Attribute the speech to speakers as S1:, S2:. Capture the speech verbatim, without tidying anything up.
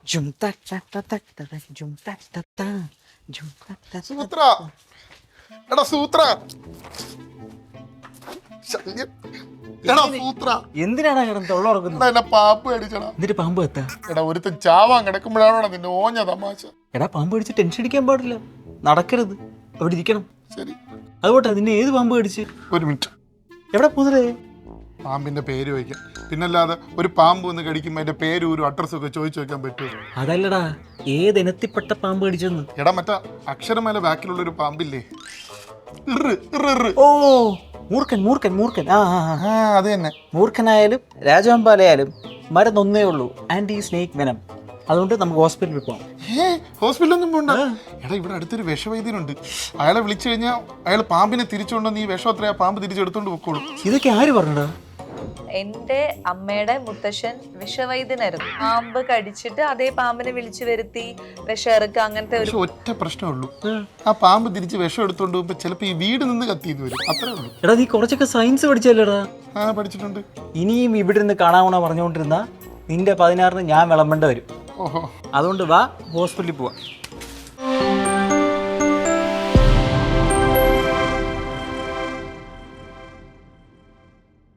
S1: ജും തക് തക് തക് തക് തക് ജും തക് തക് ത ജും തക് തക്
S2: സൂത്ര എടാ സൂത്ര ശല്യം. എടാ സൂത്ര
S1: എന്തിനാണ് കിടന്ന് തൊള്ളുറക്കുന്നത്?
S2: എടാ എന്നെ പാമ്പ് കടിച്ചടാ.
S1: എന്നിട്ട് പാമ്പ് എത്താ?
S2: എടാ ഒരുത്തൻ ചാവാൻ കിടക്കുമ്പോഴാണോടാ നിന്റെ ഓഞ്ഞ തമാശ.
S1: എടാ പാമ്പ് കടിച്ച് ടെൻഷൻ അടിക്കാൻ പാടില്ല, നടക്കരുത്, അവിടെ ഇരിക്കണം.
S2: ശരി
S1: അതുകൊണ്ടാ നിന്നെ ഏത് പാമ്പ് കടിച്ച്?
S2: ഒരു മിനിറ്റ്.
S1: എവിടെ മുതലേ?
S2: പാമ്പിന്റെ പേര് വയ്ക്കാം. പിന്നല്ലാതെ ഒരു പാമ്പ് ഒന്ന് കടിക്കുമ്പോൾ അതിന്റെ പേരും ഒരു അഡ്രസ്സും ഒക്കെ ചോദിച്ചു വെക്കാൻ പറ്റുമോ?
S1: അതല്ലടാ, ഏത് ഇനത്തിൽപ്പെട്ട പാമ്പ് കടിച്ചെന്ന്.
S2: എടാ മറ്റാ അക്ഷരമേല ബാക്കിലുള്ള ഒരു പാമ്പില്ലേ? ഇറ്, ഇറ്, ഇറ്.
S1: ഓ മൂർഖൻ മൂർഖൻ മൂർഖൻ ആ ആ, ആ.
S2: ആ അത് തന്നെ.
S1: മൂർഖനായാലും രാജവമ്പാലയായാലും മരുന്നൊന്നേ ഉള്ളൂ, ആന്റി സ്നേക്ക് വെനം. അതുകൊണ്ട് നമുക്ക് ഹോസ്പിറ്റലിൽ പോകാം.
S2: ഏ ഹോസ്പിറ്റലൊന്നും പോണ്ട. എടാ ഇവിടെ അടുത്തൊരു വിഷവൈദ്യനുണ്ട്. അയാളെ വിളിച്ചു കഴിഞ്ഞാൽ അയാൾ പാമ്പിനെ തിരിച്ചുകൊണ്ടുവന്ന് ഈ വിഷം അത്രയാ പാമ്പ് തിരിച്ചെടുത്തോണ്ട് പൊക്കോളൂ.
S1: ഇതൊക്കെ ആര് പറഞ്ഞടാ?
S3: എന്റെ അമ്മയുടെ മുത്തശ്ശൻ വിഷവൈദ്യനായിരുന്നു. പാമ്പ് കടിച്ചിട്ട് അതേ പാമ്പിനെ വിളിച്ചു വരുത്തി വിഷം ഇറക്കുക, അങ്ങനത്തെ ഒരു
S2: പക്ഷെ ഒറ്റ പ്രശ്നമേ ഉള്ളൂ, ആ പാമ്പ് തിരിച്ച് വിഷം എടുത്തോണ്ട് പോകുമ്പോ ചിലപ്പോ ഈ വീട് നിന്ന് കത്തിന്ന് വരും, അത്രേ ഉള്ളൂ.
S1: എടാ നീ കുറച്ചൊക്കെ സയൻസ് പഠിച്ചല്ലേടാ?
S2: ആ പഠിച്ചിട്ടുണ്ട്.
S1: ഇനിയും ഇവിടെ നിന്ന് കാണാമണ പറഞ്ഞുകൊണ്ടിരുന്ന നിന്റെ പതിനാറിന് ഞാൻ വിളമ്പേണ്ട വരും.
S2: ഓഹോ
S1: അതുകൊണ്ട് വാ, ഹോസ്പിറ്റലിൽ പോവാം.